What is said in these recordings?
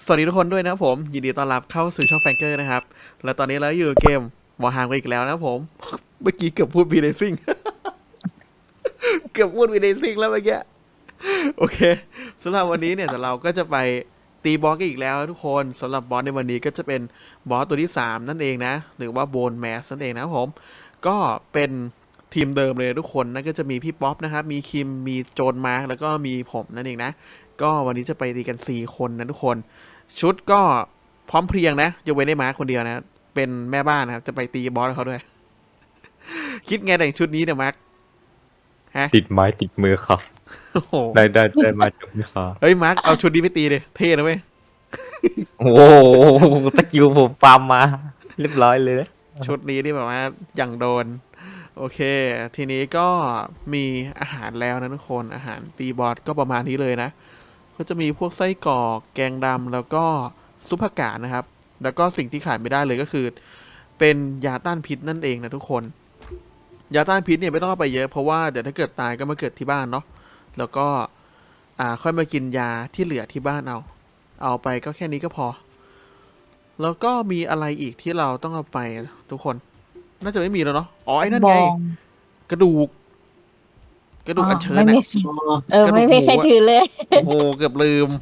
สวัสดีทุกคนด้วยนะครับผมยินดีต้อนรับเข้าสู่ช่องแฟงเกอร์นะครับและตอนนี้เราอยู่เกมวอร์ฮามกันอีกแล้วนะครับผม เมื่อกี้เกือบพูดวีเดซิ่ง เกือบพูดวีเดซิ่งแล้วเมื่อกี้โอเคสำหรับวันนี้เนี่ยแต่เราก็จะไปตีบอสกันอีกแล้วทุกคนสำหรับบอสในวันนี้ก็จะเป็นบอสตัวที่3นั่นเองนะหรือว่าโบนแมสนั่นเองนะครับผมก็เป็นทีมเดิมเลยทุกคนนั่นก็จะมีพี่ป๊อปนะครับมีคิมมีโจนมาร์กแล้วก็มีผมนั่นเองนะก็วันนี้จะไปตีกัน4คนนะทุกคนชุดก็พร้อมเพรียงนะยกเว้นได้มาร์คคนเดียวนะเป็นแม่บ้านนะครับจะไปตีบอสเขาด้วย คิดไงแต่งชุดนี้เนี่ยมาร์คฮะติดไม้ติดมือครับโอ้โหได้มาจุกนี่ครับเฮ้ยมาร์คเอาชุดนี้ไปตีเลยเท่นะเว้ยโอ้โหตะกิวผมปาล์มมาเรียบร้อยเลยนะชุดนี้นี่แบบว่าอย่างโดนโอเค ทีนี้ก็มีอาหารแล้วนะทุกคนอาหารตีบอสก็ประมาณนี้เลยนะ ก็จะมีพวกไส้กรอกแกงดำแล้วก็ซุปผักกาดนะครับ แล้วก็สิ่งที่ขาดไม่ได้เลยก็คือ เป็นยาต้านพิษนั่นเองนะทุกคนยาต้านพิษเนี่ยไม่ต้องเอาไปเยอะเพราะว่าเดี๋ยวถ้าเกิดตายก็มาเกิดที่บ้านเนาะแล้วก็ค่อยมากินยาที่เหลือที่บ้านเอาไปก็แค่นี้ก็พอ แล้วก็มีอะไรอีกที่เราต้องเอาไปทุกคน น่าจะไม่มีแล้วเนาะอ๋อไอ้นั่นบไงองกระดูก กระดูกอัญเชิญไม่อะมีไม่มีใครถือเลยโอ้โหเกือบลืม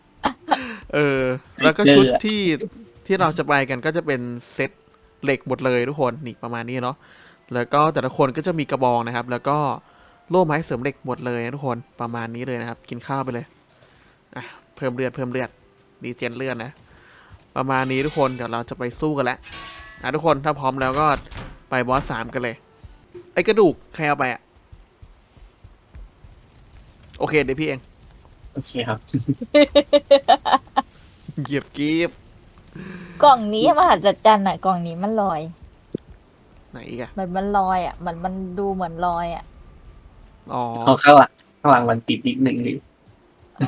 แล้วก็ชุดที่เราจะไปกันก็จะเป็นเซตเหล็กหมดเลยทุกคนนี่ประมาณนี้เนาะแล้วก็แต่ละคนก็จะมีกระบองนะครับ แล้วก็โล่ไม้เสริมเหล็กหมดเลยนะทุกคนประมาณนี้เลยนะครับ กินข้าวไปเลยอ่ะเพิ่มเลือดดีเจนเลือดนะ ประมาณนี้ทุกคนเดี๋ยวเราจะไปสู้กันแล้วทุกคนถ้าพร้อมแล้วก็ไปบอส3กันเลยไอ้กระดูกใครเอาไปอะโอเคเดี๋ยวพี่เองโอเคครับเหยียบกีบกล่องนี้มหัศจรรย์อ่ะกล่องนี้มันลอยไหนอีกอะมันลอยอ่ะมันดูเหมือนลอยอ่ะอ๋อเขาข้างหลังมันติดอีกหนึ่งเลยอ๋อ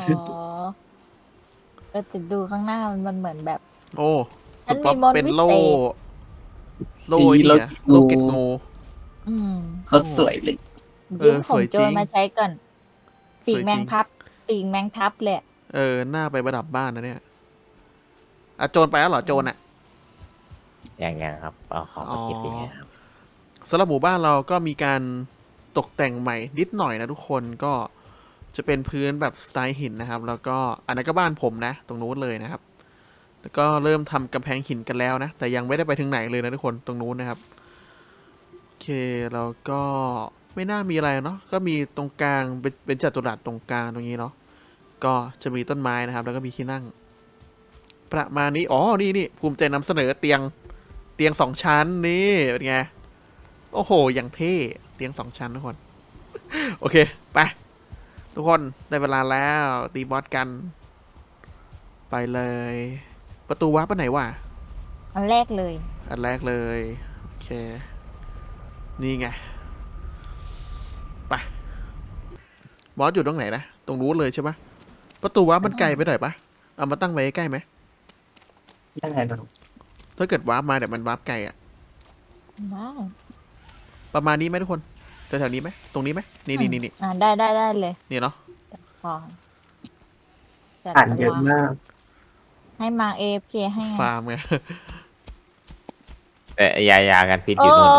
แต่ดูข้างหน้ามันเหมือนแบบโอ้มัคุนณมีป๊อปมนต์เป็นวิเศษโล่ไอ้เนี่ยโล่เก็ดงูอืมเขาสวยเลยยืมสของวยโจจริรง มาใช้ก่อนปีสกวยจริงแมงพับปีกแมงทับเลยอะหน้าไปประดับบ้านนะเนี่ยโจรไปแล้วเหรอโจรอะอย่างครับเอาของมาเก็บอย่างเงี้ยครับสำหรับหมู่บ้านเราก็มีการตกแต่งใหม่นิดหน่อยนะทุกคนก็จะเป็นพื้นแบบสไตล์หินนะครับ แล้วก็อันนั้นก็บ้านผมนะ ตรงนู้นเลยนะครับ แล้วก็เริ่มทำกำแพงหินกันแล้วนะ แต่ยังไม่ได้ไปถึงไหนเลยนะทุกคนตรงนู้นนะครับโอเคแล้วก็ไม่น่ามีอะไรเนาะก็มีตรงกลางเป็นจัตุรัสตรงกลางตรงนี้เนาะก็จะมีต้นไม้นะครับ แล้วก็มีที่นั่ง ประมาณนี้อ๋อนี่ภูมิใจนำเสนอเตียง2 ชั้นนี่เป็นไงโอ้โหอย่างเท่เตียง2 ชั้นทุกคน โอเคไปทุกคนได้เวลาแล้วตีบอสกัน ไปเลย ประตูวาร์ปไปไหนวะอันแรกเลยอันแรกเลยโอเคนี่ไงไปบอสอยู่ตรงไหนนะตรงนู้นเลยใช่ปะประตูวาร์ปมันไกลไปหน่อยปะเอามาตั้งไว้ใกล้ไหมได้นะถ้าเกิดวาร์ปมาเดี๋ยวมันวาร์ปไกลอะได้ประมาณนี้ไหมทุกคนแถวๆนี้ไหมตรงนี้ไหมนี่ได้เลยนี่เนาะพอจัดอ่านตัเยว อะมากให้มา AFK ให้ไงฟาร์มไงแต่ยากันพิษอโอ้ยู่นู่น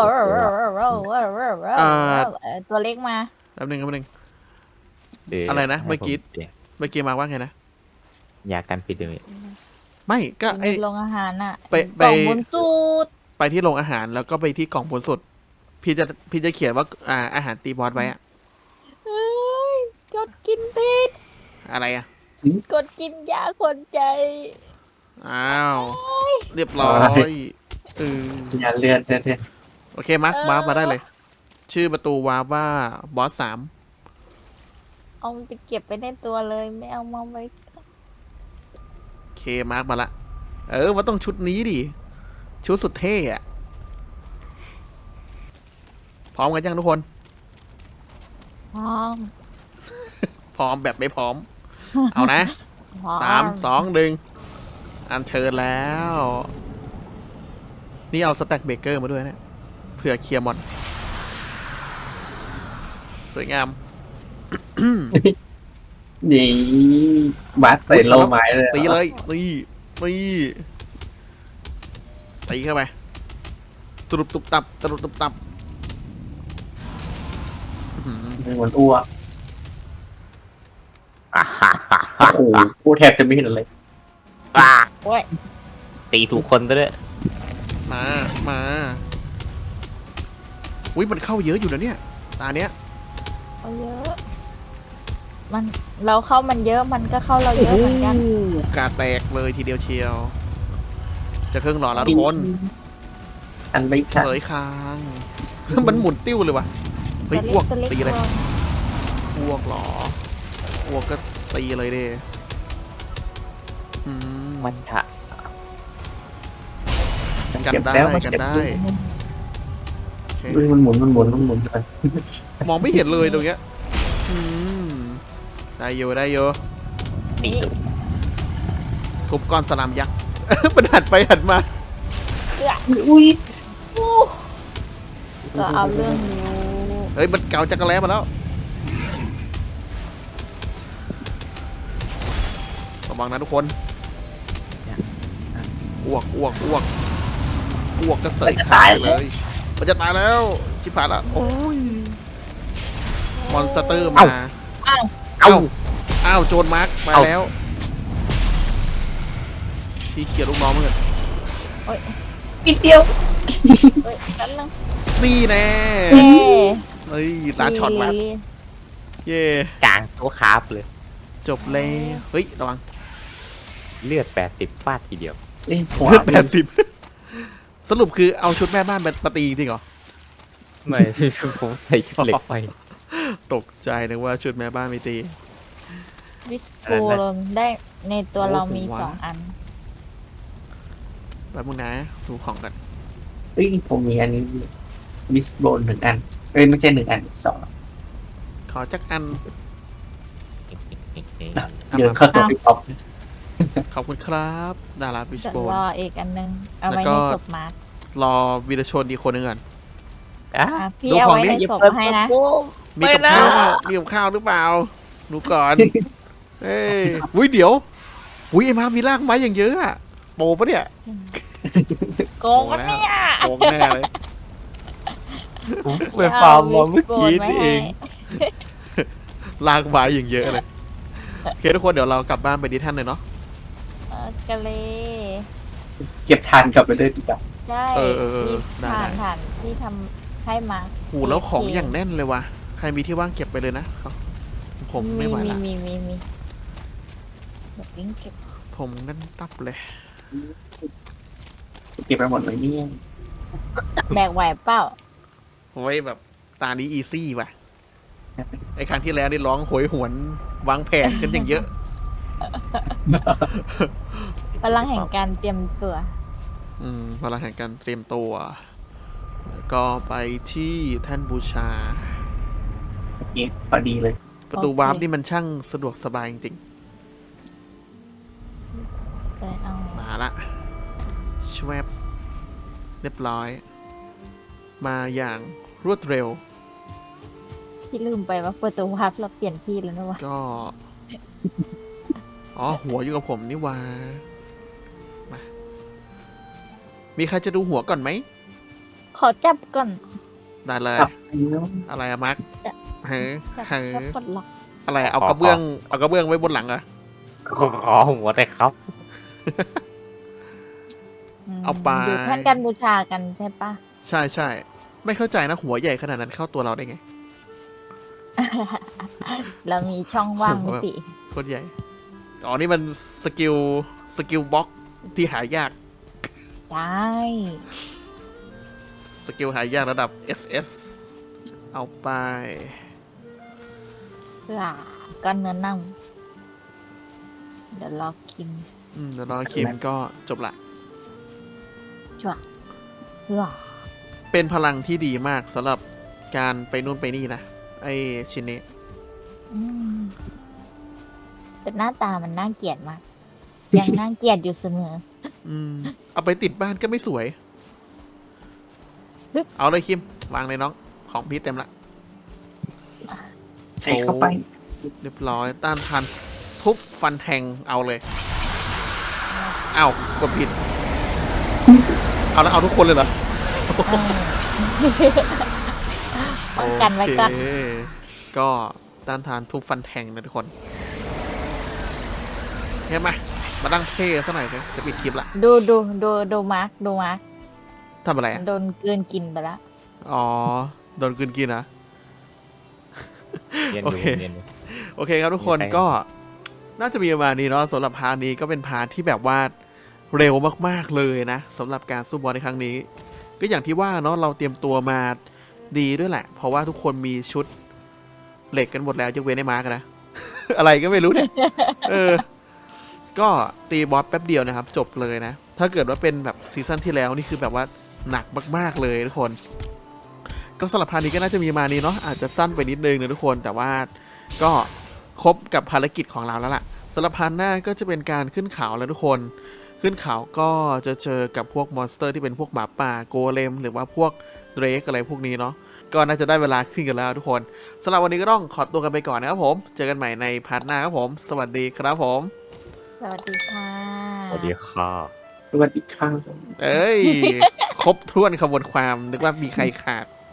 ตัวเล็กมาแป๊บนึงเอะไรนะให้เมื่อกี้ผปลี่ยนเมื่อกี้มาว่าไงนะยากันพิษอยู่นี่ไม่ก็อยู่ไอในโรงอาหารน่ะไปกล่องบนสูตรไปที่โรงอาหารแล้วก็ไปที่กล่องผลสุด พี่จะเขียนว่าอาหารตีบอสไว้อะเฮ้ยกดกินพิษอะไรอะกดกินยาคนใจอ้าวเรียบร้อยเอออย่าเลือดเท่โอเคมาร์ควาร์ปมาได้เลย ชื่อประตูวาร์ปว่าบอส3 เอาไปเก็บไปในตัวเลยไม่เอามาไว้โอเคมาร์กมาละมันต้องชุดนี้ดิชุดสุดเท่อะพร้อมกันยังทุกคนพร้อมพร้อมแบบไม่พร้อม เอานะพร้อ 3 2 1อันเชิญแล้ว นี่เอาสแต็กเบเกอร์มาด้วยนะเผื่อเคลียร์มอน สวยงามๆนี่บาสใส่โลไม้เลยตีเลยนี่ตีเข้าไปตรุบตุบตับตรุบตุบตับอื้อหือเป็นเหมือนอ้วกอ่าฮ่าฮ่าฮ่าโอ้โหพูดแทบจะไม่เห็นเลยอ่าโอ้ยตีถูกคนซะด้วยมาอุ้ยมันเข้าเยอะอยู่นะเนี่ยตาเนี้ยเอาเยอะ มันเราเข้ามันเยอะมันก็เข้าเราเยอะเหมือนกันกาแตกเลยทีเดียวเชียว จะเครื่องหล่อแล้วทุกคนอันไม่ทันเสยคาง มันหมุนติ้วเลยวะเฮ้ยอ้วกตัวเล็กตีเลยตัวอ้วกเหรออ้วกก็ตีเลยดิอืมมันถะกันเก็บได้แล้วมันกันเก็บได้โอเคเฮ้ยมันหมุนไปมองไม่เห็นเลยตรงเนี้ยอืมได้โยได้โยตีนี่ถูกทุบก้อนสลามยักษ์ มันหันไปหันมาอุ้ยอู้ก็เอาเรื่องอยู่เฮ้ยมันเกาจักรแล้มาแล้วระวังนะทุกคนอ้วกก็เสยขาเลยมันจะตายแล้วชิบหายละโอ้ยมอนสเตอร์มาอ้าวอ้าวโจรมาร์กมาแล้วพี่เขียนลูกน้องเหมือนกันนิดเดียวเฮ้ยนั่นนึงนี่แน่เย้เฮ้ยตาช็อตมาเย่กลางตัวคาร์บเลยจบเลยเฮ้ยระวังเลือด80ฟาดทีเดียวเอ้ยหัวเลือด80 สรุปคือเอาชุดแม่บ้านมาตีจริงเหรอไม่ ผมใส่ชุดเหล็กไปตกใจนึกว่าชุดแม่บ้านไม่ตีวิสโกลงได้ในตัวเรามีโอ้โห 2 อันแป๊บมึงนะดูของกันเฮ้ยผมมีอันนี้มิสโบน1 อันเอ้ยไม่ใช่1 อัน2 ขอจักอันเดี๋ยวเข้าตัวไปป๊อปขอบคุณครับ ดาราบิชจะโบนรออีกอันนึง เอาไว้แล้วก็ในศพมาร์ครอวีรชนอีกคนหนึงก่อนอ่ะอ่ะพี่ดูเอาของไว้ดิในศพให้นะมีกับข้าวมีกับข้าวหรือเปล่า ดูก่อน เอ้ยอุ้ยเดี๋ยวอุ้ยไอ้มามีรากไม้อย่างเยอะอะโปปะเนี่ยโกงกันเนี่ยโกงแน่เลยผมไปฟาร์มมาเมื่อกี้นี่เองรากไม้อย่างเยอะเลยโอเคทุกคนเดี๋ยวเรากลับบ้านไปดิท่านเลยเนาะกะเลเก็บทานกลับไปเลยดีกว่าใช่เออที่ได้ผ่านที่ทำให้มาหูแล้วของอย่างแน่นเลยว่ะใครมีที่ว่างเก็บไปเลยนะผมไม่ไหวละมีแบบวิ่งเก็บผมนั่นตับเลยเก็บไปหมดเลยเนี่ยแบกไหวเปล่าโอ้ยแบบตานี้อีซี่ว่ะไอ้ครั้งที่แล้วนี่ร้องโหยหวนวางแผนกันอย่างเยอะพลังแห่งการเตรียมตัวเวลาแห่งการเตรียมตัวแล้วก็ไปที่แท่นบูชาโอเคพอดีเลยประตูโอเควาร์ปนี่มันช่างสะดวกสบายจริงเลยเอาๆมาละชวบเรียบร้อย มาอย่างรวดเร็วพี่ลืมไปว่าประตูวับเราเปลี่ยนที่แล้วนะวะก็ อ๋อ หัวอยู่กับผมนี่หว่ามามีใครจะดูหัวก่อนไหมขอจับก่อนได้เลยครับอะไรอะมาร์คจะเฮ้ยจับเฮ้แล้วยปลดล็อกอะไรเอากระเบื้อง เอากระเบื้องไว้บนหลังเหรอผมขอหัวได้ครับเอาไปอยู่แท่นการบูชากันใช่ปะใช่ใช่ ไม่เข้าใจนะหัวใหญ่ขนาดนั้นเข้าตัวเราได้ไงเรามีช่องว่างมิติโคตรใหญ่ อ๋อ นี่มันสกิลบล็อกที่หายากใช่สกิลหายากระดับ SS เอาไปเพื่อก้อนเนื้อน่องเดี๋ยวรอกินเดี๋ยวรอคิมก็จบละชั่วเพื่อเป็นพลังที่ดีมากสำหรับการไปนู่นไปนี่นะ ไอชิ้นนี้อืมแต่หน้าตามันน่าเกลียดมาก ยังน่าเกลียดอยู่เสมอเอาไปติดบ้านก็ไม่สวยฮึบเอาเลยคิม วางเลยน้อง ของพี่เต็มละใส่เข้าไปเรียบร้อยต้านทานทุบฟันแทงเอาเลยอ้าวกดผิดเอาแล้วเอาทุกคนเลยเหรอป้องกันไว้ก่อนโอเคก็ต้านทานทุบฟันแทงนะทุกคนเฮ้ยมาตั้งเท่ซะหน่อยสิจะปิดคลิปละดูมาร์คดูมาร์คทำอะไรอ่ะโดนกลืนกินไปละอ๋อโดนกลืนกินนะเรียนโอดูเคเรียนดูโอเคครับทุกคนมีใครก็น่าจะมีประมาณนี้เนาะสำหรับพาร์ทนี้ก็เป็นพาร์ทที่แบบว่าเร็วมากๆเลยนะสำหรับการสู้บอลในครั้งนี้ ก็อย่างที่ว่าเนาะเราเตรียมตัวมาดีด้วยแหละ เพราะว่าทุกคนมีชุดเหล็กกันหมดแล้วยกเว้นไอ้มาร์กนะ อะไรก็ไม่รู้เนี่ย ก็ตีบอสแป๊บเดียวนะครับ จบเลยนะ ถ้าเกิดว่าเป็นแบบซีซั่นที่แล้วนี่คือแบบว่าหนักมากๆเลยทุกคน ก็สำหรับพาร์ทนี้ก็น่าจะมีมานี้เนาะอาจจะสั้นไปนิดนึงนะทุกคนแต่ว่าก็ครบกับภารกิจของเราแล้วล่ะสำหรับพาร์ทหน้าก็จะเป็นการขึ้นเขาแล้วทุกคนขึ้นเขาก็จะเจอกับพวกมอนสเตอร์ที่เป็นพวกหมาป่าโกเลมหรือว่าพวกเดรกอะไรพวกนี้เนาะก็น่าจะได้เวลาขึ้นกันแล้วทุกคนสำหรับวันนี้ก็ต้องขอตัวกันไปก่อนนะครับผมเจอกันใหม่ในพาร์ทหน้าครับผมสวัสดีครับผมสวัสดีค่ะสวัสดีค่ะสวัสดีครับเอ้ย ครบถ้วนขบวนความนึกว่ามีใครขาด